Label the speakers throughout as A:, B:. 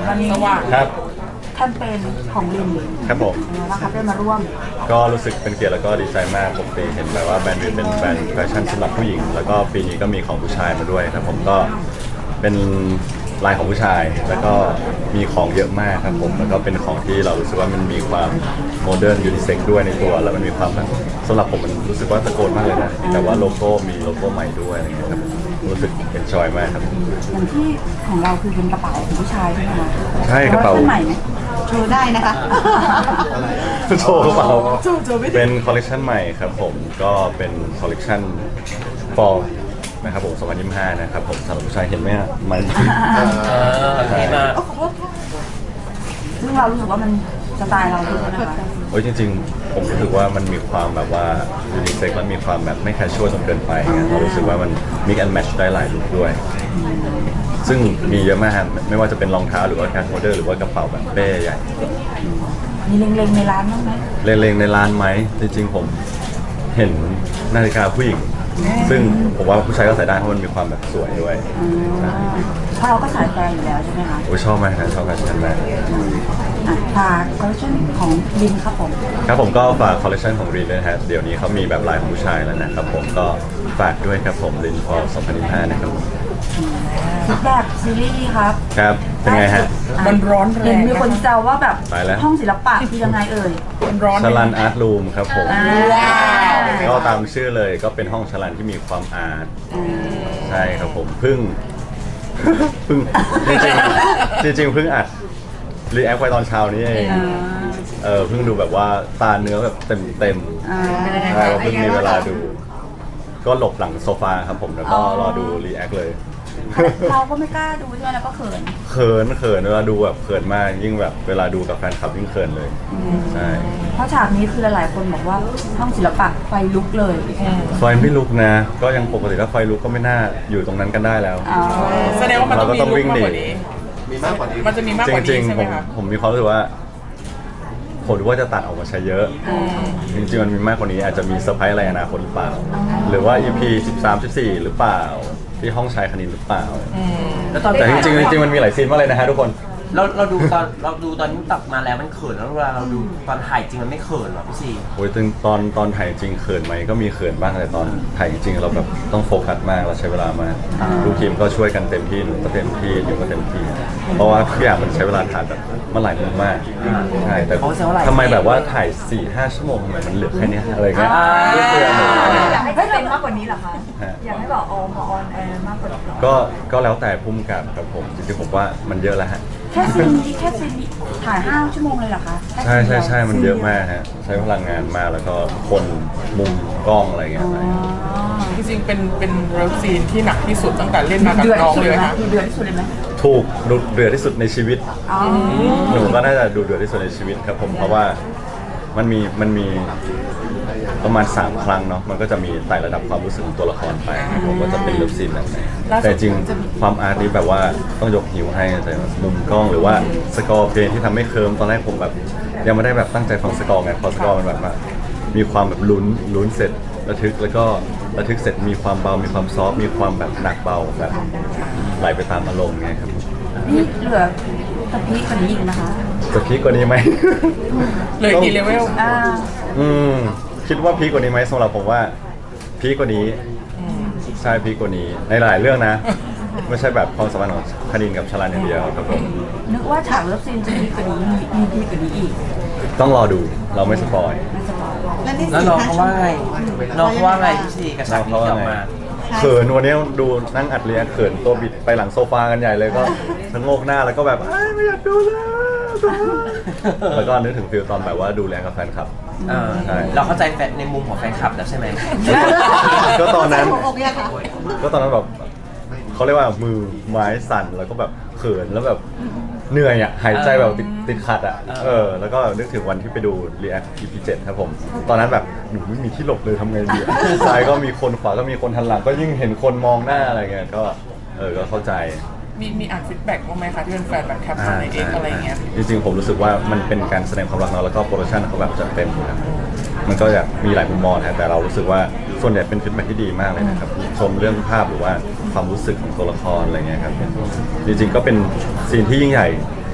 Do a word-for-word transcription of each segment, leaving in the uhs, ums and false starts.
A: วันนี้
B: ครับ
A: แคมเปญของลิน
B: ครับผม
A: นะครับได้มาร่วม
B: ก็รู้สึกเป็นเกียรติแล้วก็ดีใจมากปกติเห็นแบบว่าแบรนด์วิวเป็นแบรนด์แฟชั่นสำหรับผู้หญิงแล้วก็ปีนี้ก็มีของผู้ชายมาด้วยครับผมก็เป็นลายของผู้ชายแล้วก็มีของเยอะมากครับผมแล้วก็เป็นของที่เรารู้สึกว่ามันมีความโมเดิร์นยูนิเซ็กด้วยในตัวแล้วมันมีความแบบสำหรับผมมันรู้สึกว่าตะโกนมากเลยนะแต่ว่าโลโก้มีโลโก้ใหม่ด้วยอะไรเงี้ยครับรู้สึกเอ็นจอยมากครับ
A: อย่างที่ของเราคือเป็นกระเป๋าของผู้ชายใช่ไหมคะ
B: ใช่กระเป๋า
A: ใหม่ไหมโชว์ได้นะคะ
B: โชว์กระเป๋าเป็นคอลเลคชันใหม่ครับผมก็เป็นคอลเลคชันฟอร์นะครับผมสองพันยี่สิบห้านะครับผมสำหรับผู้ชายเห็นไหมฮะมัน
C: ใช่มาก
A: ซึ่งเรารู้สึกว่ามันสไตล์เราด้วยนะคะ
B: โอ้ยจริงๆผมรู้สึกว่ามันมีความแบบว่ายูนิเซ็กและมีความแบบไม่แคชชวลจนเกินไปเรารู้สึกว่ามันมิกแอนด์แมทช์ได้หลายลุคด้วยซึ่งมีเยอะมากไม่ว่าจะเป็นรองเท้าหรือว่าการโฮลเดอร์หรือว่ากระเป๋าแบบเป้ใหญ่
A: มีเล็งๆในร้านบ้างไหม
B: เล็งๆในร้านไหมจริงๆผมเห็นนาฬิกาผู้หญิงซึ่งผมว่าผู้ชายก็ใส่ได้เพราะมันมีความแบบสวยด้วย
A: เพราะเราก็สายแฟนอยู่แล้วใช่ไหมคะ
B: โอ้ชอบมากนะชอบแฟชั่นมาก
A: ฝากคอลเลคชันของรินครับผม
B: ครับผมก็ฝากคอลเลคชันของรินด้วยนะฮะเดี๋ยวนี้เขามีแบบลายของผู้ชายแล้วนะครับผมก็ฝากด้วยครับผมรินพอสองพันยี่สิบห้านะครับ
A: ฟีดแบ็กซีรีส์ครับ
B: ครับเป็นไงฮะ
A: มันร้อนแรงเห็นมีคนแซวว่าแบบห้องศิลปะคือยังไงเอ่ย
B: ร้อนชลันอาร์ตรูมครับผมก็ตามชื่อเลยก็เป็นห้องชลันที่มีความอาร์ตใช่ครับผมเพิ่งเพิ่งจริงจริงเพิ่งอัดรีแอคไปตอนเช้านี้เองเออเพิ่งดูแบบว่าตาเนื้อแบบเต็มเต็มใช่เราเพิ่งมีเวลาดูก็หลบหลังโซฟาครับผมแล้วก็รอดูรีแอคเลย
A: เราก็ไม่กล้าดูใช่ไหมแล้วก็เขิน
B: เขินเขินเวลาดูแบบเขินมากยิ่งแบบเวลาดูกับแฟนคลับยิ่งเขินเลยใช่
A: เพราะฉากนี้คือหลายๆคนบอกว่าห้องศิลปะไฟลุกเลย
B: ไฟไม่ลุกนะก็ยังปกติถ้าไฟลุกก็ไม่น่าอยู่ตรงนั้นกันได้แล้ว
C: แสดงว่ามันต้องมีลุกมากกว่านี้
D: มีมากกว่านี้
C: มันจะมีมากกว่านี้ใช่ไหม
B: ครับผมมีความรู้สึกว่าผมรู้ว่าจะตัดออกมาใช้เยอะจริงๆมันมีมากกว่านี้อาจจะมีเซอร์ไพรส์อะไรอนาคตหรือเปล่าหรือว่า อี พี สิบสาม สิบสี่หรือเปล่าที่ห้องชายคณินหรือเปล่าแต่จริงๆจริงๆมันมีหลายซีนมากเลยนะฮะทุกคน
C: เราเราดูตอนเราดูตอนนี้ตัดมาแล้วมันเขินแล้วเวลาเราดูตอนถ่ายจริงมันไม่เขินหรอพี่ซี
B: โอ้ยตอนตอนถ่ายจริงเขินไหมก็มีเขินบ้างแต่ตอนถ่ายจริงเราแบบต้องโฟกัสมากเราใช้เวลามากทุกทีมก็ช่วยกันเต็มที่หนูก็เต็มที่นิวก็เต็มที่เพราะว่าทุกอย่างมันใช้เวลาถ่ายแบบมันหลายมุมมากใช่แต่ทำไมแบบว่าถ่าย สี่ห้า ชั่วโมงทำไมมันเหลือแค่นี้อะไรเงี้ย
A: อยากให้เป็นมากกว่านี้เหรอคะอยากให้แบบออนออนแอร์มากกว่านี้
B: ก็ก็แล้วแต่พุ่มกับครับผมจริงๆผมว่ามันเยอะแล้วฮะ
A: แค่ซีนนี้แค่ซีนนี้ถ่ายห้าชั่วโมงเลยเหรอคะ
B: ใช่ใช่ใช่มันเยอะมากฮะใช้พลังงานมากแล้วก็คนมุมกล้องอะไรเงี้ย
C: จริงๆเป็นเป็นเลิฟซีนที่หนักที่สุดตั้งแต่เล่นมากับน้องเลยนะ
A: เดือดที่สุดเลยไหม
B: ถูกดุเดือดที่สุดในชีวิตหนูก็น่าจะดูเดือดที่สุดในชีวิตครับผมเพราะว่ามันมีมันมีประมาณสามครั้งเนาะมันก็จะมีไต่ระดับความรู้สึกของตัวละครไปผมก็จะเป็นเลิฟซีนแบบไหนแต่จริงความอาร์ตนี้แบบว่าต้องยกหิวให้แต่มุมกล้องหรือว่าสกอร์เพลงที่ทำให้เคิร์มตอนแรกผมแบบยังไม่ได้แบบตั้งใจฟังสกอร์ไงพอสกอร์มันแบบว่ามีความแบบลุ้นลุ้นเสร็จระทึกแล้วก็ระทึกเสร็จมีความเบามีความซอฟมีความแบบหนักเบาแบบไหลไปตามอารมณ์ไงครับ
A: นี่เหลือตะพีกว่านี้อีกนะคะ
B: ตะพีกว่านี้ไหม
C: เลยกี่เลเวล
A: อ่า
B: อืมคิดว่าพีกว่านี้ไหมสำหรับผมว่าพีกว่านี้ใช่พีกว่านี้ในหลายเรื่องนะไม่ใช่แบบความสัมพันธ์ของคณินกับชลันอย่างเดียวครับผม
A: นึกว่าฉากเลิฟซีนจะพีกว่านี้มีพีกว่านี้อีก
B: ต้องรอดูเราไม่สปอย
C: แล้วน้องเขาว่าไงน้องเขาว่าไงพี่ซีกับฉากนี้ออกมา
B: เขินวันนี้ดูนั่งอัดเรียเขินตัวบิดไปหลังโซฟากันใหญ่เลยก็ชะโงกหน้าแล้วก็แบบไม่อยากดูแล้วแล้วก็นึกถึงฟิลตอนแบบว่าดูแลกับแฟนคลับ
C: เราเข้าใจแฟนในมุมของแฟนคลับแล้วใช่ไหม
B: ก็ตอนนั้นก็ตอนนั้นแบบเขาเรียกว่ามือไม้สั่นแล้วก็แบบเขินแล้วแบบเหนื่อยอ่ะหายใจแบบติดติดขัดอ่ะเออแล้วก็นึกถึงวันที่ไปดู React อี พี เจ็ดครับผมตอนนั้นแบบหนูไม่มีที่หลบเลยทำไงดีซ้ายก็มีคนขวาก็มีคนทันหลังก็ยิ่งเห็นคนมองหน้าอะไรเงี้ยก็เออก็เข้าใจ
C: มีมีอ่านฟีดแบ็กบ้างไหมคะที่เป็นแฟนแบบแคปชั่นในเอ็กอะไรเงี้ย
B: จริงๆผมรู้สึกว่ามันเป็นการแสดงความรักเนาะแล้วก็โปรดักชั่นเขาแบบจัดเต็มครับมันก็จะมีหลายมุมมองนะแต่เรารู้สึกว่าส่วนใหญ่เป็นฟีดแบ็กที่ดีมากเลยนะครับชมเรื่องภาพหรือว่าความรู้สึกของตัวละครอะไรเงี้ยครับจริงๆก็เป็นซีนที่ยิ่งใหญ่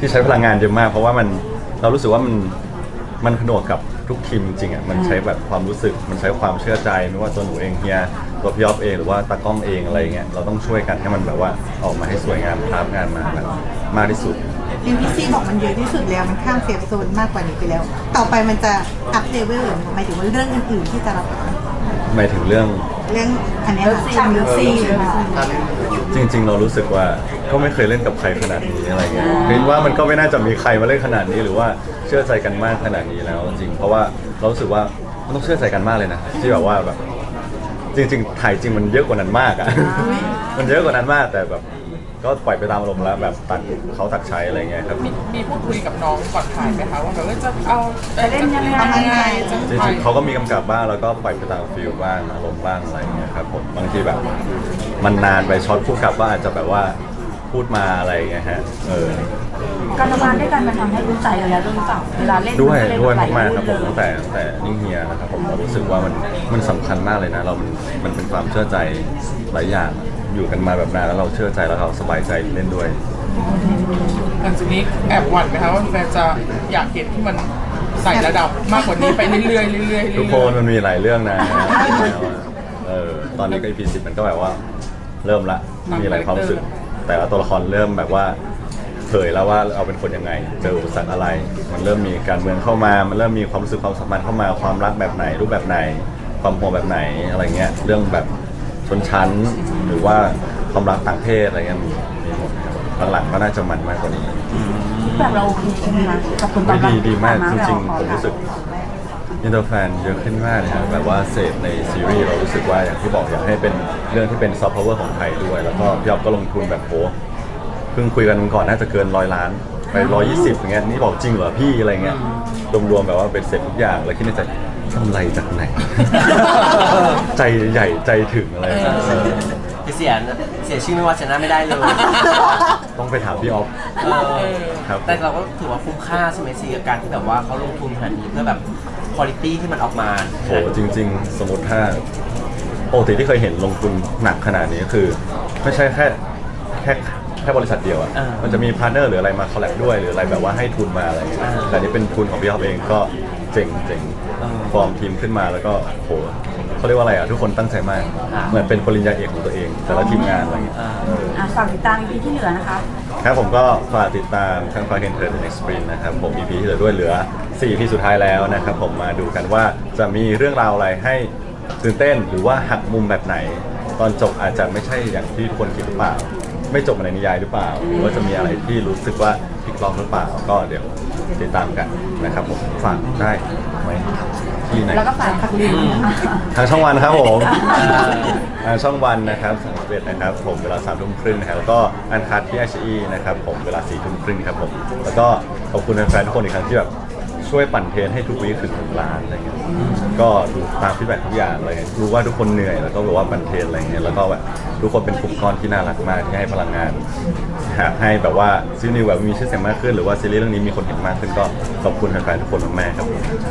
B: ที่ใช้พลังงานเยอะมาก เพราะว่ามันเรารู้สึกว่ามันมันผนวกกับทุกทีมจริงๆอ่ะมันใช้แบบความรู้สึกมันใช้ความเชื่อใจไม่ว่าตัวหนูเองเฮียตัวพี่ยอฟเองหรือว่าตากล้องเองอะไรเงี้ยเราต้องช่วยกันให้มันแบบว่าออกมาให้สวยงามภาพงานมาแบบมากที่สุด
D: เอ็มพีซีบอกมันเยอะที่สุดแล้วมันข้ามเซฟโซนมากกว่านี้ไปแล้ว ต่อไปมันจะอัพเลเวลหรือหมายถึงว่าเรื่องอื่นๆที่จะรับ
B: หมายถึงเรื่อง
D: เรื่องอันเนี้ย
A: เลิฟซีนเลิฟซีนค่ะ
B: จริง ๆ เรารู้สึกว่าก็ไม่เคยเล่นกับใครขนาดนี้อะไรเงี้ยคิดว่ามันก็ไม่น่าจะมีใครมาเล่นขนาดนี้หรือว่าเชื่อใจกันมากขนาดนี้แล้วจริงๆเพราะว่าเรารู้สึกว่ามันต้องเชื่อใจกันมากเลยนะที่แบบว่าแบบจริงๆถ่ายจริงมันเยอะกว่านั้นมากอ่ะ มันเยอะกว่านั้นมากแต่แบบก็ปล่อยไปตามอารมณ์แล้วแบบตัดเขาตัดใช้อะไรเงี้ยครับ
E: มีมีพูดคุยกับน้องก่อนถ่ายไหมคะว่าแบบว่าจะเอาจะเล่นยังไงจะ
B: จ
E: ถ่า
B: ริ
E: ย
B: งๆเขาก็มีกำกับบ้างแล้วก็ปล่อยไปตามฟิลบ้างอารมณ์บ้างอะไรเงี้ยครับผมบางทีแบบมันนานไปช็อตผู้กำกับว่าอาจจะแบบว่าพูดมาอะไรเงี้ยฮะเออ
A: การทำงานด้วยกันมันทำให้รู้ใจกันแล้วด้วยหรือเปล่าเวลาเล่น
B: ด้วย
A: นเล่น
B: ด้วย
A: หล
B: มากๆครับผม
A: เรื่
B: ตั้
A: อง
B: งแต่ตั้งแต่นิ่งเฮียนะครับผมเรารู้สึกว่ามันมันสำคัญมากเลยนะเรามันมันเป็นความเชื่อใจหลายอย่างอยู่กันมาแบบนานแล้วเราเชื่อใจแล้วเราสบายใจเล่นด้วย
E: หลังจากนี้แอบหวั่นไหมคะว่าแฟนจะอยากเห็นที่มันใส่ระดับมากกว่านี้ไปเรื่อยๆเรื่อยๆเรื่อยๆ
B: ทุกคนมันมีหลายเรื่องนะเออตอนนี้ก็ อี พี สิบมันก็แบบว่าเริ่มละมีหลายความรู้สึก แต่ละตัวละครเริ่มแบบว่าเผยแล้วว่าเราเป็นคนยังไงเจออุปสรรคอะไร มันเริ่มมีการเมืองเข้ามา มันเริ่มมีความรู้สึกความสัมพันธ์เข้ามาความรักแบบไหน รูปแบบไหน ความห่วงแบบไหนอะไรเงี้ยเรื่องแบบชนชั้นหรือว่าความรักต่างเพศอะไรเงี้ยมีมีหมดครับหลังๆก็น่าจะมันมากกว่านี้
A: แบบเราโอเคใช่ไหมคะกับผลตอบรับ
B: ดีดีมากจ
A: ที่ผ่น
B: ริงๆผมรู้สึก อินเตอร์แฟนเยอะขึ้นมากเลยครับแบบว่าเสพในซีรีส์เรารู้สึกว่าอย่างที่บอกอยากให้เป็นเรื่องที่เป็นซอฟต์พาวเวอร์ของไทยด้วย แล้วก็พี่อ๊อฟก็ลงทุนแบบโหเพิ่งคุยกันก่อนน่าจะเกินร้อยล้านไปร้อยยี่สิบอย่างเงี้ยนี่บอกจริงเหรอพี่อะไรเงี้ยรวมๆแบบว่าเป็นเสร็จทุกอย่างแล้วคิดในใจกำไรจากไหน ใจใหญ่ใจถึงอะไรเงี้ย
C: เสียเสียชื่อไม่ว่าชนะไม่ได้เลย
B: ต้องไปถามพี่อ๊อฟ
C: เออ
B: ครับ
C: แต่เราก็ถือว่าคุ้มค่าใช่ไหมซีกับการที่แบบว่าเขาลงทุนขนาดนี้เพื่อแบบคุณภาพที่มันออกมา
B: โหจริง ๆ สมมติถ้าปกติที่เคยเห็นลงทุนหนักขนาดนี้คือ ไม่ใช่แค่แค่แค่บริษัทเดียวอ่ะมันจะมีพาร์ทเนอร์หรืออะไรมาคอลแลบด้วยหรืออะไรแบบว่าให้ทุนมาอะไรเงี้ยแต่นี่เป็นทุนของพี่อ๊อฟเองก็เจ๋งเจ๋งฟอร์มทีมขึ้นมาแล้วก็โหเขาเรียกว่าอะไรอ่ะทุกคนตั้งใจมากเหมือนเป็นปริญญาเอกของตัวเองแต่ละทีมงานอะไรเงี้ย
A: อ่ะฝากติดตาม อี พี ที่เหลือนะคะ
B: ครับผมก็ฝากติดตามทางฟาเคนเทอร์เน็กซ์ปรินนะครับผม อี พี ที่เหลือด้วยเหลือสี่ อี พี สุดท้ายแล้วนะครับผมมาดูกันว่าจะมีเรื่องราวอะไรให้ตื่นเต้นหรือว่าหักมุมแบบไหน ตอนจบอาจจะไม่ใช่อย่างที่ทุกคนคิดหรือเปล่า ไม่จบในนิยายหรือเปล่าหรือว่าจะมีอะไรที่รู้สึกว่าพลิกล็อกหรือเปล่าก็เดี๋ยวติดตามกันนะครับผมฝากได้ไหมที่ไหน
A: แล้วก็ฝากพักลิง
B: ทางช่องวันครับผมทางช่องวันนะครับสามสิบเอ็ดนะครับผมเวลาสามทุ่มครึ่งนะครับแล้วก็อันคัดที่ไอชีนะครับผมเวลาสี่ทุ่มครึ่งครับผมแล้วก็ขอบคุณแฟนๆทุกคนอีกครั้งที่แบบช่วยปั่นเทรนให้ทุกวีคถึงหนึ่งล้านอะไรเงี้ยก็ดูตามฟีดแบ็กทุกอย่างเลยรู้ว่าทุกคนเหนื่อยแล้วก็แบบว่าปั่นเทรนอะไรเงี้ยแล้วก็แบบทุกคนเป็นกลุ่มก้อนที่น่ารักมากที่ให้พลังงานหากให้แบบว่าซีรีส์แบบมีชื่อเสียงมากขึ้นหรือว่าซีรีส์เรื่องนี้มีคนเห็นมากขึ้นก็ขอบคุณแฟนๆทุกคนมากๆครับ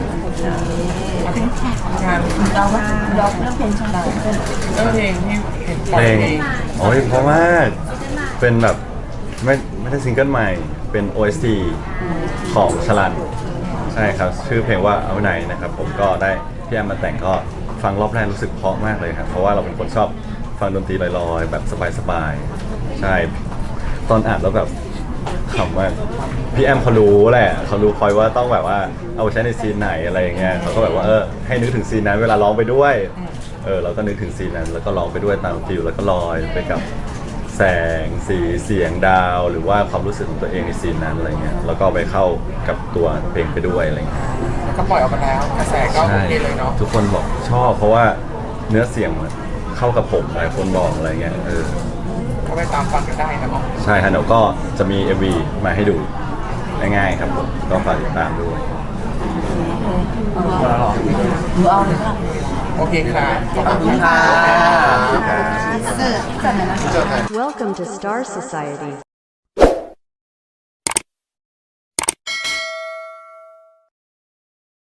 E: งาน
A: เราว่าเราเรื่องเพลงชาติ
E: เรื่องเพลงที่เห็นปล่
B: เพ
E: อย
B: ลง
E: เอง
B: โอ้ยเพราะมากเป็นแบบไม่ไม่ได้ซิงเกิลใหม่เป็น โอ เอส ที ของชลันใช่ครับชื่อเพลงว่าเอาไหนนะครับผมก็ได้พี่แอมมาแต่งก็ฟังรอบแรกรู้สึกเพราะมากเลยครับเพราะว่าเราเป็นคนชอบฟังดนตรีลอยๆแบบสบายๆใช่ตอนอ่านแล้วแบบขำมากพี่แอมเขารู้แหละเขารู้คอยว่าต้องแบบว่าเอาไปใช้ในซีนไหนอะไรอย่างเงี้ยเขาก็แบบว่าเออให้นึกถึงซีนนั้นเวลาร้องไปด้วยเออเราก็นึกถึงซีนนั้นแล้วก็ร้องไปด้วยตามฟิลแล้วก็ลอยไปกับแสงสีเสียงดาวหรือว่าความรู้สึกของตัวเองในซีนนั้นอะไรเงี้ยแล้วก็ไปเข้ากับตัวเพลงไปด้วยอะไรเงี้ย
E: แล้วก็ปล่อยออกมาแล้วกระแสก็โอ
B: ใช่
E: เคเลยเนาะ
B: ทุกคนบอกชอบเพราะว่าเนื้อเสียงมันเข้ากับผมหลายคนบอกอะไรเงี้ยเออ
E: ก็ไปตามฟังกันได้นะเนาะ
B: ใช่ฮะเดี๋ยวก็จะมี เอ็ม วี มาให้ดูง่ายๆครับผมก็ฝากติดตามด้วย
A: หนูเอาเลยค่ะ
E: โอเคค่ะขอบคุณ
C: ค่ะ
D: เสิร์ฟ
A: จัดเลยนะ
F: Welcome to Star Society.